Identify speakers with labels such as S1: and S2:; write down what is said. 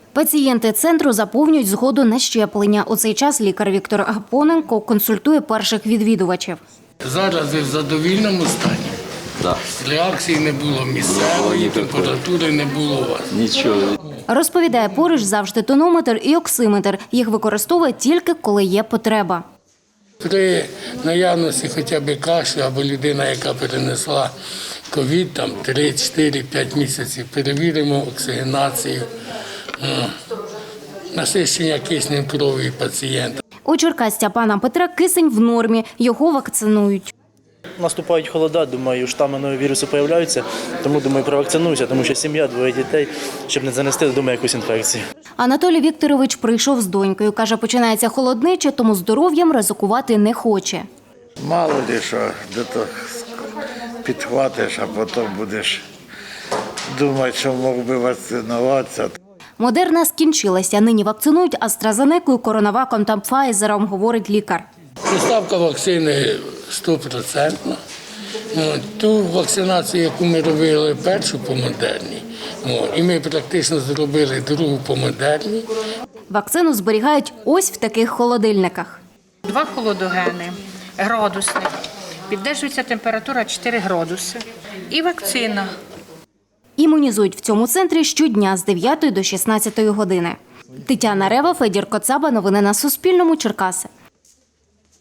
S1: Пацієнти центру заповнюють згоду на щеплення. У цей час лікар Віктор Гапоненко консультує перших відвідувачів.
S2: Зараз ви в задовільному стані?
S3: Так.
S2: Реакції не було місцевої, температури не було у вас?
S3: Нічого.
S1: Розповідає, поруч завжди тонометр і оксиметр. Їх використовує тільки, коли є потреба.
S2: При наявності хоча б кашлю або людина, яка перенесла ковід, там 3, 4, 5 місяців, перевіримо оксигенацію, насичення киснем крові пацієнта.
S1: У Черкасця пана Петра кисень в нормі, його вакцинують.
S4: Наступають холода, думаю, штами нового вірусу з'являються, тому, думаю, провакцинуюся, тому що сім'я, 2 дітей, щоб не занести додому якусь інфекцію.
S1: Анатолій Вікторович прийшов з донькою. Каже, починається холодниче, тому здоров'ям ризикувати не хоче.
S5: Мало ли що, де-то підхватиш, а потім будеш думати, що мог би вакцинуватися.
S1: Модерна скінчилася. Нині вакцинують AstraZeneca, Коронаваком та Pfizer, говорить лікар.
S2: Поставка вакцини 100%. Ту вакцинацію, яку ми робили першу по Модерні, і ми практично зробили другу по Модерні.
S1: Вакцину зберігають ось в таких холодильниках.
S6: 2 холодогени, градусник, піддержується температура 4 градуси і вакцина.
S1: Імунізують в цьому центрі щодня з 9 до 16 години. Тетяна Рева, Федір Коцаба. Новини на Суспільному. Черкаси.